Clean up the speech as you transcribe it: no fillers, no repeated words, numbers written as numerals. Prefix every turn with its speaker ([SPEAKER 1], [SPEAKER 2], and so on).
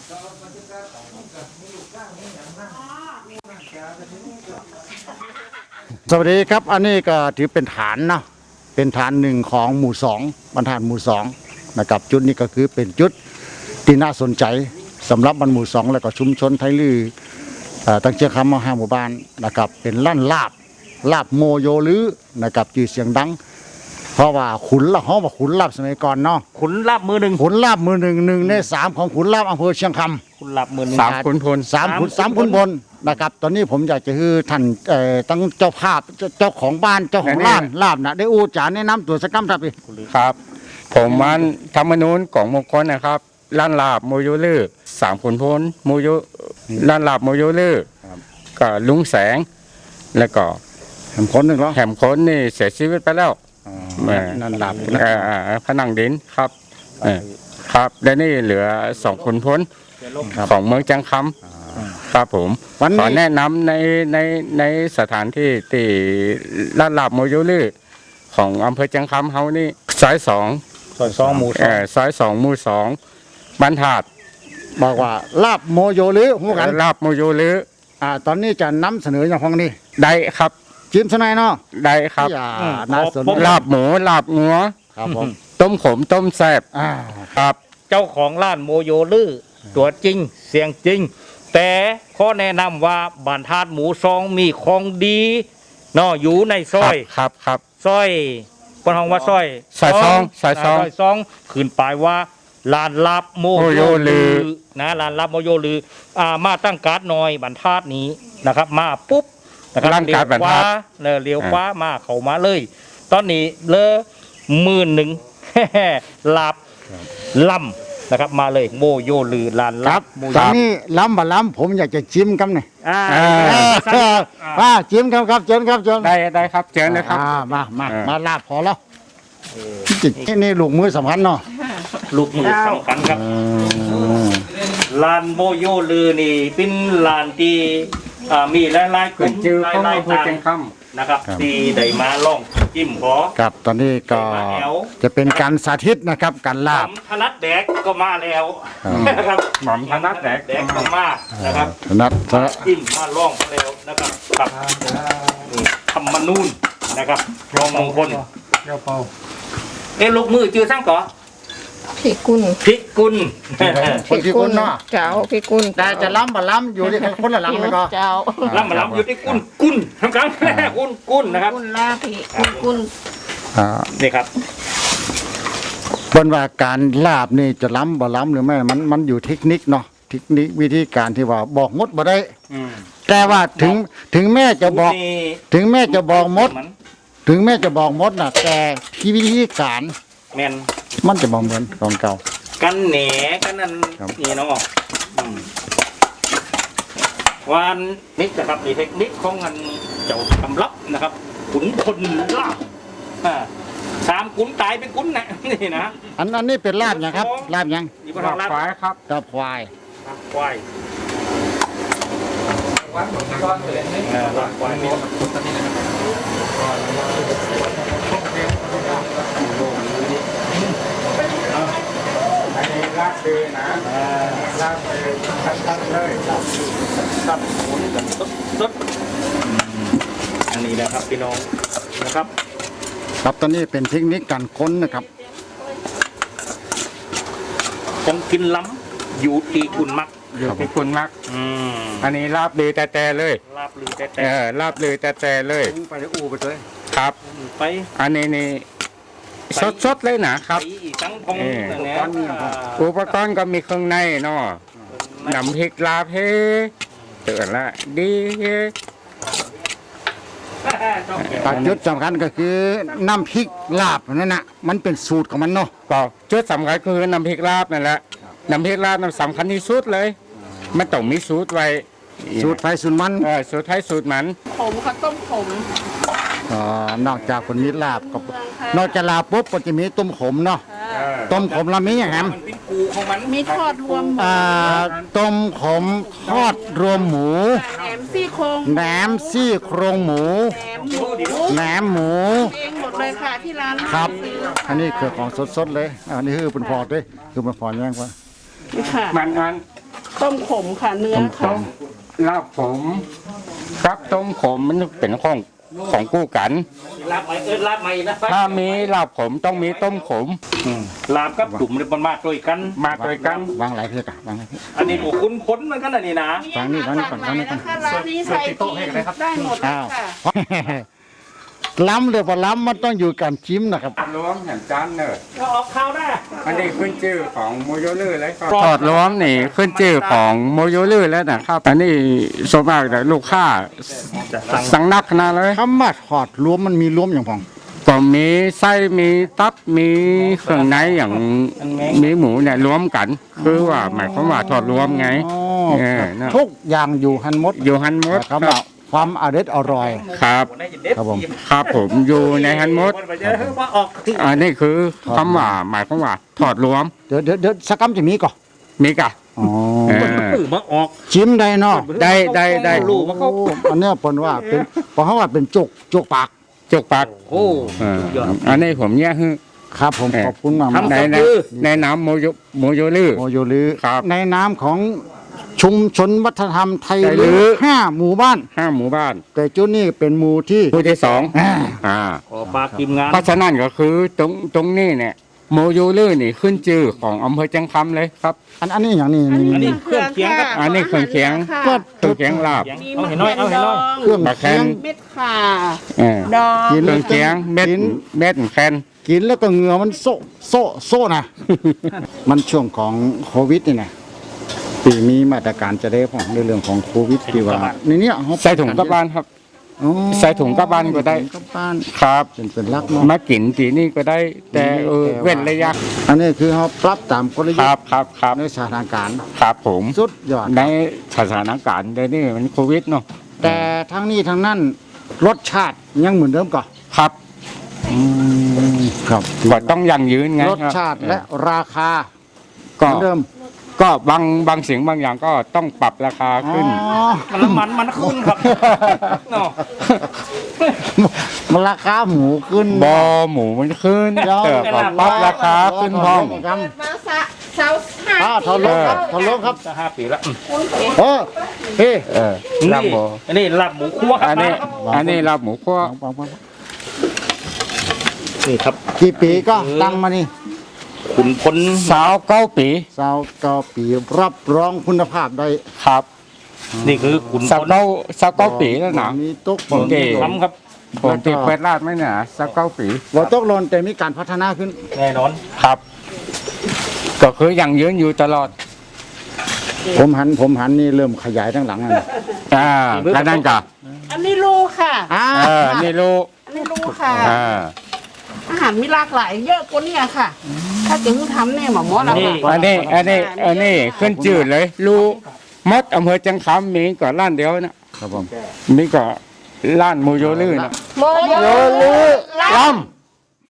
[SPEAKER 1] สวัสดีครับอันนี้ก็ถือเป็นฐานนะเป็นฐานหนึ่งของหมู่สองบรรทัดหมู่สองนะครับจุดนี้ก็คือเป็นจุดที่น่าสนใจสำหรับบรรหมู่สองและก็ชุมชนไทยลือตั้งเชียงคำมา5 หมู่บ้านนะครับเป็นลั่นลาบโมโยลือนะครับชื่อเสียงดังเพราะว่าขุนละห้องว่าขุนลาบสมัยก่อนเนาะ
[SPEAKER 2] ขุนลาบมือหนึ่ง
[SPEAKER 1] ขุนลาบมือหนึ่งใน3ของขุนลาบอำเภอเชียงคำ
[SPEAKER 2] ขุนลาบมือหนึ่ง
[SPEAKER 3] สามขุนพล
[SPEAKER 1] สามขุนพลนะครับตอนนี้ผมอยากจะให้ท่านตั้งเจ้าภาพเจ้าของบ้านเจ้าของร้านลาบนะได้อู้จาแนะนำตัวสักคำครับพี่
[SPEAKER 3] ครับ ผมมันธรรมนูญของมงคลนะครับล้านลาบโมยุลือสามขุนพลโมยุล้านลาบโมยุลือก็ลุงแสง แล้วก็
[SPEAKER 1] แหมคนหนึ่งเหรอ
[SPEAKER 3] แหมคนนี่เสียชีวิตไปแล้ว
[SPEAKER 1] นั่นลาบ
[SPEAKER 3] ผนังดินครับครับและนี่เหลือ2ขุนพลของเมืองจังคำครับผมขอแนะนำในสถานที่ที่ลาดลาบโมยุลือของอำเภอจังคำเฮานี่ซอย2
[SPEAKER 2] 2 หมู่
[SPEAKER 3] ซอย2 หมู่ 2บรรทัด
[SPEAKER 1] บอกว่าลาบโมโยลือหูกัน
[SPEAKER 3] ลาบโมยุลือ
[SPEAKER 1] ตอนนี้จะนำเสนออย่างของนี้
[SPEAKER 3] ได้ครับ
[SPEAKER 1] จิ้มสนายเนาะ
[SPEAKER 3] ได้ครับ
[SPEAKER 1] อย่าน่าสน
[SPEAKER 3] ลาบหมูลาบงัว
[SPEAKER 1] ครับผม
[SPEAKER 3] ต้มขมต้มแซ่บครับ
[SPEAKER 2] เจ้าของร้านโมโยลือตัวจริงเสียงจริง แต่ขอแนะนำว่าบ้านธาตุหมู่ซองมีของดีเนาะอยู่ในซอย
[SPEAKER 3] ครับ
[SPEAKER 2] ซอยปนห้องว่าซอย
[SPEAKER 3] ซอยซองซอยซอง
[SPEAKER 2] ซองขึ้นไปว่าลานลับโมโยลือนะลานลับโมโยลือมาตั้งการ์ดหน่อยบ้านธาตุนี้นะครับมาปุ๊บนะครับ
[SPEAKER 3] ตั้งการ์ดบ้านธาตุ
[SPEAKER 2] เลี้ยวขวามาเข้ามาเลย ตอนนี้เลอ11,000 ลาบลำนะครับมาเลยโมโยลือลาน
[SPEAKER 1] ค
[SPEAKER 2] ลั
[SPEAKER 1] รั
[SPEAKER 2] บบ โมโย
[SPEAKER 1] ตอนนี้ล้ำบ่ล้ำผมอยากจะจิ้มกันหน่อย
[SPEAKER 2] อ่า
[SPEAKER 1] จิ้มครับเชิญครับเชิญ
[SPEAKER 3] ได้ครับเชิญเลยครับ
[SPEAKER 1] มาลาบพอแล้วนี่ลูกมือสำคัญเนาะ
[SPEAKER 2] ลูกมือสำคัญครับลานโมโยลือนี่เป็นลานที่มีหลายๆกลุ่ม
[SPEAKER 3] ชื่อ
[SPEAKER 2] ห
[SPEAKER 3] ของ
[SPEAKER 2] ลาย
[SPEAKER 3] อำเภ
[SPEAKER 2] ๆ
[SPEAKER 3] อ
[SPEAKER 2] ทาง
[SPEAKER 3] จังค
[SPEAKER 2] นะครับที่ได้มาล่องจิ้มขอ
[SPEAKER 1] ครับตอนนี้ก็จะเป็นการสาธิตนะครับการลาบ
[SPEAKER 2] ธนัดแดกก็มาแล้วนะครับ
[SPEAKER 3] ำหม่อมธนัดแดก
[SPEAKER 2] แดกก็มานะครับ
[SPEAKER 1] นัด
[SPEAKER 2] จิ้มมาล่องแล้วนะครับกับนี่ธรรมนูญนะครับรองมงคลลูกมือจือสร้างก่อ
[SPEAKER 4] พี่กุล
[SPEAKER 2] พิกุล
[SPEAKER 1] คนที่คุณเนาะ
[SPEAKER 4] เจ้าพี่กุล
[SPEAKER 1] แต่จะล้ำบ่ล้ำอยู่ที่คนละหลังเลยก็
[SPEAKER 4] เจ้า
[SPEAKER 2] ลำมาลำอยู่ที่กุลทำกลางกุลนะครับ
[SPEAKER 4] กุลลาพี่กุล
[SPEAKER 2] นี่ครับ
[SPEAKER 1] บนว่าการลาบนี่จะล้ำบ่ล้ำหรือไม่มันอยู่เทคนิคเนาะเทคนิควิธีการที่ว่าบอกมดบ่ได้แต่ว่าถึงแม่จะบอกถึงแม่จะบอกมด ถึงแม่จะบอกมดน่ะแต่ที่วิธีการ
[SPEAKER 2] แมน
[SPEAKER 1] มันจะบ่เหมือนของเก่า
[SPEAKER 2] กันแหนกันนั่น
[SPEAKER 1] ครับ
[SPEAKER 2] นี่เนาะวันนี้นะครับมีเทคนิคของงานเจ้าทำลับนะครับขุนพลลาบ3 ขุนตายเป็นขุนนะนี่นะ
[SPEAKER 1] อันนี้เป็นลาบยังครับลาบยัง
[SPEAKER 2] นี่ก็ทำลาบ
[SPEAKER 3] ควายครับ
[SPEAKER 1] ลาบควาย
[SPEAKER 2] ควายลาบควายมี
[SPEAKER 3] ลาบเลยนะลาบเลยชัดๆเลย
[SPEAKER 2] ครับขุนกันสดอันนี้นะครับพี่น้องนะครับ
[SPEAKER 1] ครับตอนนี้เป็นเทคนิคการค้นนะครับ
[SPEAKER 2] ของกินล้ำอยู่ตีกุลมัก
[SPEAKER 3] อยู่ที่คุณมักอันนี้ลาบเลยแต่เลย
[SPEAKER 2] ลาบลือแต่
[SPEAKER 3] ลาบเลยแต่เลย
[SPEAKER 1] ไปอู่ไปเลย
[SPEAKER 3] ครับ
[SPEAKER 2] ไป
[SPEAKER 3] อันนี้นี่สดๆเลยนะครับ
[SPEAKER 2] ไปอีกทั้งพง
[SPEAKER 3] อุปกรณ์ก็มีเครื่องในเนาะน้ำพริกลาเพเตือนละดี
[SPEAKER 1] จุดสำคัญก็คือน้ำพริกลาบนั่นน่ะมันเป็นสูตรของมันเนาะ
[SPEAKER 3] ก็จุดสำคัญคือน้ำพริกลาบนั่นแหละน้ำพริกลาบนั่นสำคัญที่สุดเลยมันต้องมีสูตรไว้
[SPEAKER 1] สูตรไฟสูตรมัน
[SPEAKER 3] สูตรไทยสูตรมัน
[SPEAKER 4] ขมข้าวต้มขม
[SPEAKER 1] นอกจากคนมีลาบก็นอกจากลาบปุ๊บก็จะมีต้มขมเนาะต้มขมละมีอย่างแฮม
[SPEAKER 2] มันเป็นกูของมัน
[SPEAKER 4] มีทอดรวมหมู
[SPEAKER 1] ต้มขมทอดรวมหมู
[SPEAKER 4] แหนมซี่โครง
[SPEAKER 1] แหนมซี่โครงหมู
[SPEAKER 4] แหนมหมู
[SPEAKER 1] แหนมหมู
[SPEAKER 4] เองหมดเลยค่ะที่ร้าน
[SPEAKER 1] ครับ
[SPEAKER 4] ซื้อ
[SPEAKER 1] อันนี้คือของสดๆเลยอันนี้คือเป็นพอด้วยคือเป็นพอแย่งว่า
[SPEAKER 4] นี่ค่ะ
[SPEAKER 3] มัน
[SPEAKER 4] ต้มขมค่ะเนื้อค่ะ
[SPEAKER 3] ลาบผมครับต้มขมมันเป็นของกู้กัน
[SPEAKER 2] ลาบใหม่ลาบใหม่นะ
[SPEAKER 3] ถ้ามีลาบผมต้องมีต้มขม
[SPEAKER 2] ลาบกับจุ่มเนี่ยมันมาด้วยกัน
[SPEAKER 3] มาด้วยกัน
[SPEAKER 1] วางหลายเพื่อกะวางหลายเพื่อ
[SPEAKER 2] อันนี้บุคุ้นพ้นเหมือนกันอันนี้นะ
[SPEAKER 1] ฟังนี่ฟังนี่ก่อนฟังนี่ก่อน
[SPEAKER 4] นะคะร้านนี้ใส่ทีได้หมดเลย
[SPEAKER 1] อ้าว
[SPEAKER 4] ค่ะ
[SPEAKER 1] ล้ำเลยพอล้ำมันต้องอยู่การจิ้มนะครับ
[SPEAKER 3] รวมอย่างจานเนอร์
[SPEAKER 2] เราออกข่าวได้
[SPEAKER 3] อันนี้ขึ้นชื่อของโมโยลือเลยครับถอดรวมนี่ขึ้นชื่อของโมโยลือแล้วนะครับ อันนี้ส่วนมากแต่ลูกค้าสั่งนักขนาดเลย
[SPEAKER 1] คำว่าถอดรวมมันมีรวมอย่างพอง
[SPEAKER 3] ก็มีไส้มีตับมีเครื่องในอย่างมีหมูเนี่ยรวมกัน คือว่าหมายความว่าถอดรวมไง
[SPEAKER 1] อ๋อ
[SPEAKER 3] เออนะ
[SPEAKER 1] ทุกอย่างอยู่หันหมด
[SPEAKER 3] อยู่ฮันมด
[SPEAKER 1] นะครับว่าความอร่อยอร่อย
[SPEAKER 3] ครับ
[SPEAKER 1] ครับผม
[SPEAKER 3] ครับผมอยู่ในฮันมด
[SPEAKER 2] ว่าออก
[SPEAKER 3] อันนี้คือคำว่าหมายความว่าถอดรวม
[SPEAKER 1] เดี๋ยวสกกัมจะมีก่อน
[SPEAKER 3] มีกะ
[SPEAKER 1] อ๋อ
[SPEAKER 3] เออ
[SPEAKER 2] ปื้อมาออก
[SPEAKER 1] จิ้มได้เนาะ
[SPEAKER 3] ได้
[SPEAKER 2] รู้มาเขา
[SPEAKER 1] โอ้อันเนี้ยปนว่าเป็นเพราะเขาว่าเป็นจุกปาก
[SPEAKER 3] จกปาก
[SPEAKER 2] โอ้
[SPEAKER 3] เอออันนี้ผมแยกให้
[SPEAKER 1] ครับผมขอบคุณมาก
[SPEAKER 2] ทำ
[SPEAKER 3] ในน้ำโมโยลือ
[SPEAKER 1] โมโยลือ
[SPEAKER 3] ครับ
[SPEAKER 1] ในน้ำของชุมชนวัฒนธรรมไทย
[SPEAKER 3] ไทยลื้
[SPEAKER 1] ลื้
[SPEAKER 3] อ
[SPEAKER 1] อ5 หมู่บ้าน
[SPEAKER 3] 5 หมู่บ้าน
[SPEAKER 1] แต่จุดนี้เป็นหมู่ที่
[SPEAKER 3] ผู้ที่สอง
[SPEAKER 1] อ่า
[SPEAKER 3] อ่า
[SPEAKER 2] ขอปากทีมงาน
[SPEAKER 3] เพราะฉะนั้นก็คือตรงนี้เนี่ยโมโยลือนี่ขึ้นชื่อของอำเภอจังคำเลยครับ
[SPEAKER 1] อันนี้อย่างนี้
[SPEAKER 2] อัน
[SPEAKER 1] นี่
[SPEAKER 2] นี้เครื่องเคียงครับ
[SPEAKER 3] อันนี้เครื่องเคียง
[SPEAKER 1] ก็
[SPEAKER 3] เครื่องเคียงลาบ
[SPEAKER 2] เอาเห็นน้อยเอาเห็นน้อย
[SPEAKER 1] เครื่อง
[SPEAKER 3] ปลาแคน
[SPEAKER 1] เคียง
[SPEAKER 4] เม็ดข่า
[SPEAKER 3] เออ
[SPEAKER 4] ดอง
[SPEAKER 1] กิน
[SPEAKER 3] เครื่องเคียงเม็ดแคน
[SPEAKER 1] กินแล้วก็เหงื่อมันโซ่นะ มันช่วงของโควิดนี่นะปีมีมาตรการจะได้ของในเรื่องของโควิดที่ว่าในเนี้ยเขา
[SPEAKER 3] ใส่ถุงกลับบ้านครับ
[SPEAKER 1] อ๋อ
[SPEAKER 3] ใส่ถุงกลับบ้านก็ได้
[SPEAKER 1] กลับบ้าน
[SPEAKER 3] ครับ
[SPEAKER 1] เป็นลักเนาะ
[SPEAKER 3] มากินทีนี่ก็ได้ แต่เว้นระยะ
[SPEAKER 1] อันนี้คือเขาปรับตามกล
[SPEAKER 3] ค
[SPEAKER 1] ยุท
[SPEAKER 3] รับ
[SPEAKER 1] ธ์
[SPEAKER 3] ครับ
[SPEAKER 1] ในสถานการณ์
[SPEAKER 3] ครับผม
[SPEAKER 1] สุดยอด
[SPEAKER 3] ในสถานการณ์เดี๋ยวนี้มันโควิดเนาะ
[SPEAKER 1] แต่ทั้งนี้ทั้งนั้นรสชาติยังเหมือนเดิมก่อน
[SPEAKER 3] ครับ
[SPEAKER 1] ครับ
[SPEAKER 3] ก็ต้องยั่งยืนไง
[SPEAKER 1] รสชาติและราคาเห
[SPEAKER 3] ก็
[SPEAKER 1] มือนเดิม
[SPEAKER 3] ก็บางสิ่งบางอย่างก็ต้องปรับราคาขึ้น
[SPEAKER 1] อ๋อ
[SPEAKER 2] มันน้ำมันขึ้นครับเนาะ
[SPEAKER 1] มันราคาหมูขึ้น
[SPEAKER 3] บอหมูมันขึ้นเติบก็ปรับราคาขึ้นห้อง
[SPEAKER 4] เปิดมาเสาห้า
[SPEAKER 1] ทอนลงครับทอนลงครับ
[SPEAKER 2] จะ5 ปีแล้ว
[SPEAKER 1] โอ้เฮ้
[SPEAKER 3] ลาบหมู
[SPEAKER 2] อันนี้ลาบหมูคั่วครับ
[SPEAKER 3] อันนี้ลาบหมูคั่ว
[SPEAKER 2] นี่ครับ
[SPEAKER 1] กี่ปีก็ตั้งมานี่
[SPEAKER 2] ขุนพล
[SPEAKER 3] สาว9 ปี
[SPEAKER 1] 29 ปีรับรองคุณภาพได้
[SPEAKER 3] ครับ
[SPEAKER 2] นี่คือขุนพ
[SPEAKER 3] สาว
[SPEAKER 2] ล
[SPEAKER 3] 9 ปีแล้วนะ
[SPEAKER 1] มีตุ๊ก
[SPEAKER 3] ผมเก๋
[SPEAKER 2] ทำครับ
[SPEAKER 3] ผมติดเควดลาดไหมเนี่ยสาว9 ปี
[SPEAKER 1] ว่าตกหล่นแต่มีการพัฒนาขึ้น
[SPEAKER 2] แน่นอน
[SPEAKER 3] ครับ ก็คือยังยืนอยู่ตลอด
[SPEAKER 1] ผมหันนี่เริ่มขยายทั้งหลังอ่ะ
[SPEAKER 3] แล้วนั่นก็
[SPEAKER 4] อันนี้ลูกค่ะ
[SPEAKER 3] นี่ลูก
[SPEAKER 4] อันนี้ลูกค่ะ
[SPEAKER 3] อ่า
[SPEAKER 4] อาหารมีหลากหลายเยอะกว่านี้ค่ะ ถ้าจะให้ทำเนี่ยหมอมอส
[SPEAKER 3] อันนี้ขึ้นจืดเลย ลูกมดอำเภอจังคำมีก่อนร้านเดียวนะครับ
[SPEAKER 1] ผม
[SPEAKER 3] มีก่อนร้านโมโยลือนะ
[SPEAKER 4] โมโย
[SPEAKER 1] ลือ
[SPEAKER 4] ล
[SPEAKER 1] ล